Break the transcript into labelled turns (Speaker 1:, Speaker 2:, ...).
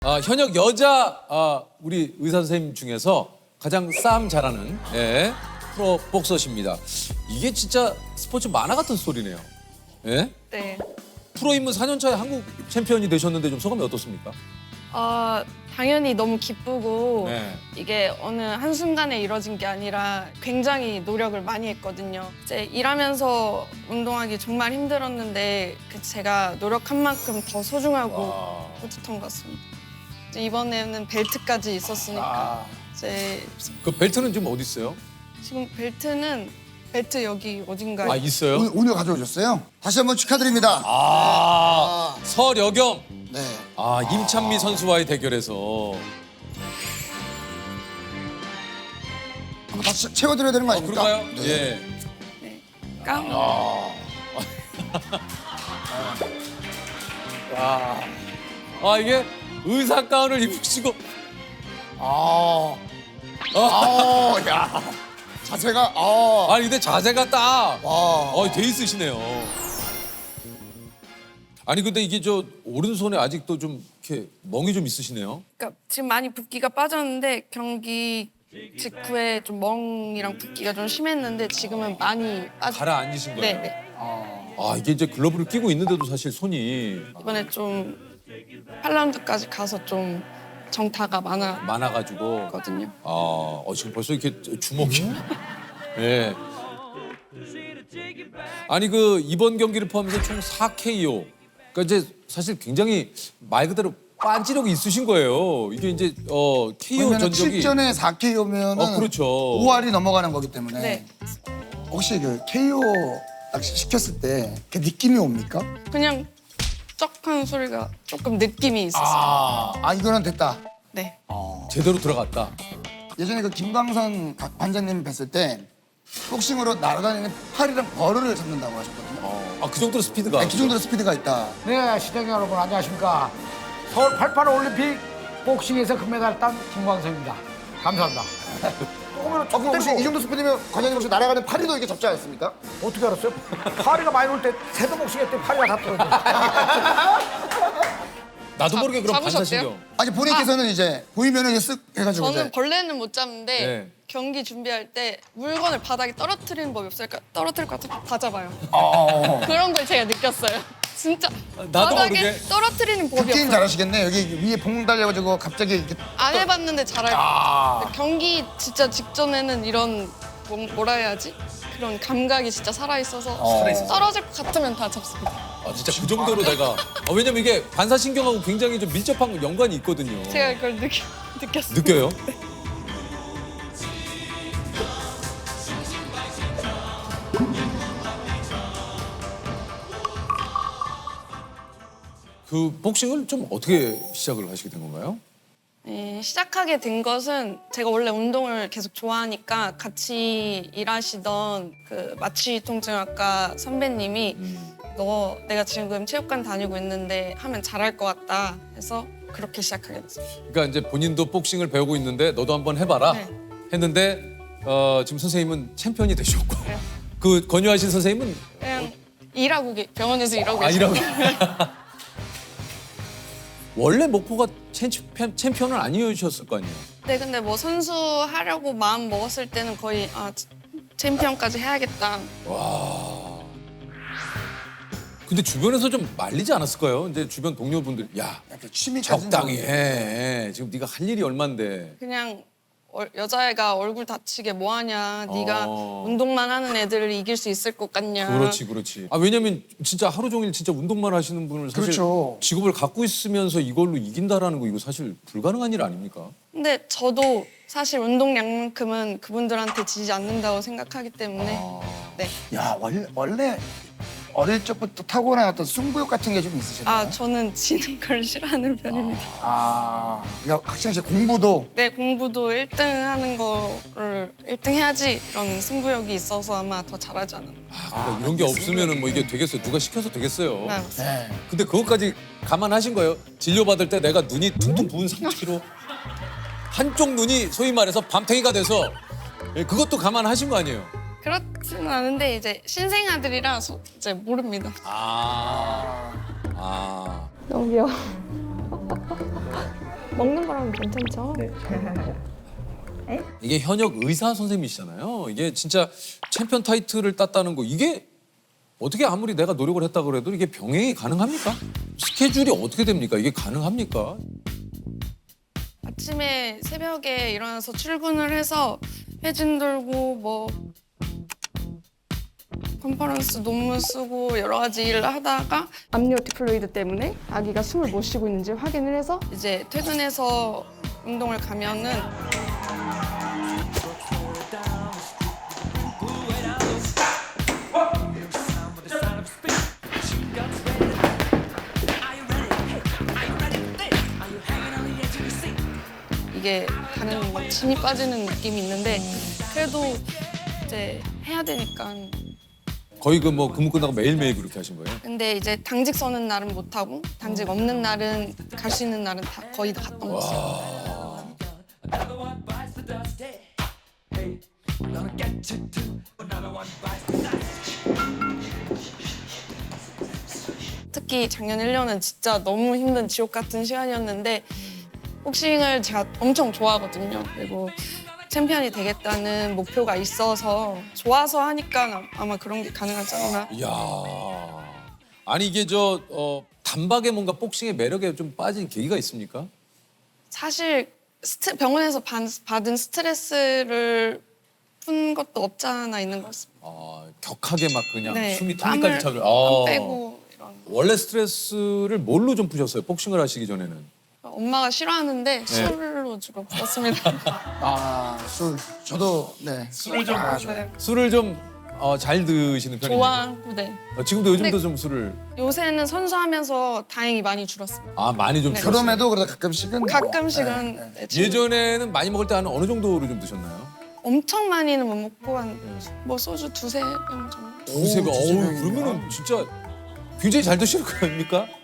Speaker 1: 현역 여자 우리 의사 선생님 중에서 가장 싸움 잘하는 프로 복서십니다. 이게 진짜 스포츠 만화 같은 스토리네요. 예?
Speaker 2: 네.
Speaker 1: 프로 입문 4년 차에 한국 챔피언이 되셨는데 좀 소감이 어떻습니까?
Speaker 2: 당연히 너무 기쁘고
Speaker 1: 네.
Speaker 2: 이게 어느 한순간에 이뤄진 게 아니라 굉장히 노력을 많이 했거든요. 이제 일하면서 운동하기 정말 힘들었는데 제가 노력한 만큼 더 소중하고 뿌듯한 것 같습니다. 이제 이번에는 벨트까지 있었으니까 이제
Speaker 1: 그 벨트는 지금 어디 있어요?
Speaker 2: 지금 벨트 여기 어딘가에
Speaker 1: 있어요?
Speaker 3: 오늘 가져오셨어요? 다시 한번 축하드립니다.
Speaker 1: 서여경.
Speaker 3: 네.
Speaker 1: 임찬미 선수와의 대결에서
Speaker 3: 한번 다시 채워드려야 되는 거 아닙니까?
Speaker 1: 그럴까요?
Speaker 3: 네.
Speaker 1: 예.
Speaker 2: 네. 깡.
Speaker 1: 이게 의사 가운을 입으시고
Speaker 3: 야. 자세가,
Speaker 1: 아니 근데 자세가 딱 돼 있으시네요. 아니 근데 이게 저 오른손에 아직도 좀 이렇게 멍이 좀 있으시네요.
Speaker 2: 그러니까 지금 많이 붓기가 빠졌는데 경기 직후에 좀 멍이랑 붓기가 좀 심했는데 지금은 많이
Speaker 1: 가라앉으신 거예요?
Speaker 2: 네.
Speaker 1: 이게 이제 글러브를 끼고 있는데도 사실 손이
Speaker 2: 이번에 좀 8라운드까지 가서 좀 정타가
Speaker 1: 많아가지고.
Speaker 2: 많았거든요.
Speaker 1: 지금 벌써 이렇게 주먹이. 예. 아니 그 이번 경기를 포함해서 총 4KO. 그러니까 이제 사실 굉장히 말 그대로 빤지력이 있으신 거예요. 이게 이제 KO 전적이
Speaker 3: 7전에 4KO면
Speaker 1: 그렇죠.
Speaker 3: 5할이 넘어가는 거기 때문에
Speaker 2: 네.
Speaker 3: 혹시 그 KO 딱 시켰을 때 그 느낌이 옵니까?
Speaker 2: 그냥 쩍하는 소리가 조금 느낌이 있었어요.
Speaker 3: 이거는 됐다.
Speaker 2: 네.
Speaker 1: 제대로 들어갔다.
Speaker 3: 예전에 그 김광선 관장님 뵀을 때 복싱으로 날아다니는 팔이랑 벌을 잡는다고 하셨거든요.
Speaker 1: 그 정도로 스피드가.
Speaker 3: 그 정도로 스피드가 있다.
Speaker 4: 네, 시청자 여러분 안녕하십니까. 서울 88 올림픽 복싱에서 금메달 딴 김광석입니다. 감사합니다.
Speaker 3: 근데 혹시 이 정도 스피드면 관장님 혹시 날아가는 팔이도 이렇게 잡지 않습니까?
Speaker 4: 어떻게 알았어요? 파리가 많이 올 때 새도 복싱 했더니 파리가 다 떨어져.
Speaker 1: 나도 모르게 그런
Speaker 2: 잡으셨대요?
Speaker 1: 반사신경.
Speaker 3: 아니 본인께서는 이제 보이면은 이제 쓱 해가지고
Speaker 2: 저는
Speaker 3: 이제
Speaker 2: 벌레는 못 잡는데
Speaker 1: 네.
Speaker 2: 경기 준비할 때 물건을 바닥에 떨어뜨리는 법이 없으니까 떨어뜨릴 것 같으면 다 잡아요. 그런 걸 제가 느꼈어요. 진짜
Speaker 1: 나도
Speaker 2: 바닥에
Speaker 1: 모르게.
Speaker 2: 떨어뜨리는 법이
Speaker 3: 게임
Speaker 2: 없어요.
Speaker 3: 잘하시겠네. 여기 위에 봉 달려가지고 갑자기 이렇게
Speaker 2: 안 해봤는데 잘할 거예요. 경기 진짜 직전에는 이런 뭐라 해야지? 그런 감각이 진짜 살아있어서
Speaker 1: 살아있어서.
Speaker 2: 떨어질 것 같으면 다 잡습니다.
Speaker 1: 진짜 그 정도로 내가. 왜냐면 이게 반사신경하고 굉장히 좀 밀접한 연관이 있거든요.
Speaker 2: 제가 그걸 느꼈어요.
Speaker 1: 느껴요? 그 복싱을 좀 어떻게 시작을 하시게 된 건가요?
Speaker 2: 네, 시작하게 된 것은 제가 원래 운동을 계속 좋아하니까 같이 일하시던 그 마취통증학과 선배님이 너 내가 지금 체육관 다니고 있는데 하면 잘할 것 같다 해서 그렇게 시작하게 됐어요.
Speaker 1: 그러니까 이제 본인도 복싱을 배우고 있는데 너도 한번 해봐라
Speaker 2: 네.
Speaker 1: 했는데 지금 선생님은 챔피언이 되셨고
Speaker 2: 네.
Speaker 1: 그 권유하신 선생님은
Speaker 2: 그냥 병원에서 일하고 계시고
Speaker 1: 이라고 원래 목표가 챔피언은 아니셨을 거 아니에요?
Speaker 2: 네, 근데 뭐 선수 하려고 마음 먹었을 때는 거의 챔피언까지 해야겠다.
Speaker 1: 근데 주변에서 좀 말리지 않았을까요? 이제 주변 동료분들 야
Speaker 3: 이렇게 취미 가진
Speaker 1: 적당히
Speaker 3: 사람들.
Speaker 1: 해. 지금 네가 할 일이 얼만데.
Speaker 2: 그냥 여자애가 얼굴 다치게 뭐하냐. 네가
Speaker 1: 어.
Speaker 2: 운동만 하는 애들을 이길 수 있을 것 같냐.
Speaker 1: 그렇지. 왜냐면 진짜 하루 종일 진짜 운동만 하시는 분을 사실
Speaker 3: 그렇죠.
Speaker 1: 직업을 갖고 있으면서 이걸로 이긴다라는 거 이거 사실 불가능한 일 아닙니까?
Speaker 2: 근데 저도 사실 운동량만큼은 그분들한테 지지 않는다고 생각하기 때문에 네.
Speaker 3: 야 원래 어릴 적부터 타고난 어떤 승부욕 같은 게 좀 있으셨나요?
Speaker 2: 저는 지는 걸 싫어하는 편입니다.
Speaker 3: 그러니까 학창 시절 공부도
Speaker 2: 네, 공부도 1등 하는 거를 1등 해야지 이런 승부욕이 있어서 아마 더 잘하지 않았나.
Speaker 1: 그러니까 이런 게 없으면은 뭐 이게 되겠어요? 누가 시켜서 되겠어요?
Speaker 2: 네, 맞습니다.
Speaker 3: 네.
Speaker 1: 근데 그것까지 감안하신 거예요? 진료받을 때 내가 눈이 퉁퉁 부은 상태로 한쪽 눈이 소위 말해서 밤탱이가 돼서 그것도 감안하신 거 아니에요?
Speaker 2: 그렇지는 않은데 이제 신생아들이라 이제 모릅니다.
Speaker 1: 아.
Speaker 2: 너무 귀여워. 먹는 거랑 괜찮죠?
Speaker 1: 이게 현역 의사 선생님이시잖아요. 이게 진짜 챔피언 타이틀을 땄다는 거 이게 어떻게 아무리 내가 노력을 했다 그래도 이게 병행이 가능합니까? 스케줄이 어떻게 됩니까? 이게 가능합니까?
Speaker 2: 아침에 새벽에 일어나서 출근을 해서 회진 돌고 뭐 컨퍼런스 논문 쓰고 여러 가지 일을 하다가 압류 디플로이드 때문에 아기가 숨을 못 쉬고 있는지 확인을 해서 이제 퇴근해서 운동을 가면은 이게 다른 막 진이 빠지는 느낌이 있는데 그래도 이제 해야 되니까.
Speaker 1: 거의 그 뭐 근무 끝나고 매일매일 그렇게 하신 거예요?
Speaker 2: 근데 이제 당직 서는 날은 못 하고 당직 없는 날은 갈 수 있는 날은 다 거의 다 갔던 거죠. 특히 작년 1년은 진짜 너무 힘든 지옥 같은 시간이었는데 복싱을 제가 엄청 좋아하거든요. 그리고 챔피언이 되겠다는 목표가 있어서 좋아서 하니까 아마 그런 게 가능하지 않나.
Speaker 1: 이야. 아니 이게 단박에 뭔가 복싱의 매력에 좀 빠진 계기가 있습니까?
Speaker 2: 사실 병원에서 받은 스트레스를 푼 것도 없지 않아 있는 것 같습니다.
Speaker 1: 격하게 막 그냥
Speaker 2: 네,
Speaker 1: 숨이
Speaker 2: 땀을
Speaker 1: 턱까지 차고.
Speaker 2: 안 빼고 이런.
Speaker 1: 원래 스트레스를 뭘로 좀 푸셨어요? 복싱을 하시기 전에는?
Speaker 2: 엄마가 싫어하는데 술로 주로 풀었습니다.
Speaker 3: 술. 저도 네.
Speaker 1: 술을 좀
Speaker 2: 네.
Speaker 1: 술을 좀 잘 드시는 편이에요.
Speaker 2: 좋아하고 네.
Speaker 1: 지금도 요즘도
Speaker 2: 근데-
Speaker 1: 좀 술을
Speaker 2: 요새는 선수하면서 다행히 많이 줄었습니다.
Speaker 1: 많이 좀
Speaker 2: 네.
Speaker 1: 드셨어요.
Speaker 3: 그럼에도 그래도 가끔씩은 뭐,
Speaker 2: 가끔씩은
Speaker 3: 네, 네.
Speaker 2: 네, 지금
Speaker 1: 예전에는 많이 먹을 때 한 어느 정도로 좀 드셨나요?
Speaker 2: 엄청 많이는 못 먹고 한 뭐 소주 두세 병 정도.
Speaker 1: 두세 병.
Speaker 3: 두세
Speaker 1: 어우
Speaker 3: 병이면.
Speaker 1: 그러면은 진짜 굉장히 잘 드시는 거 아닙니까?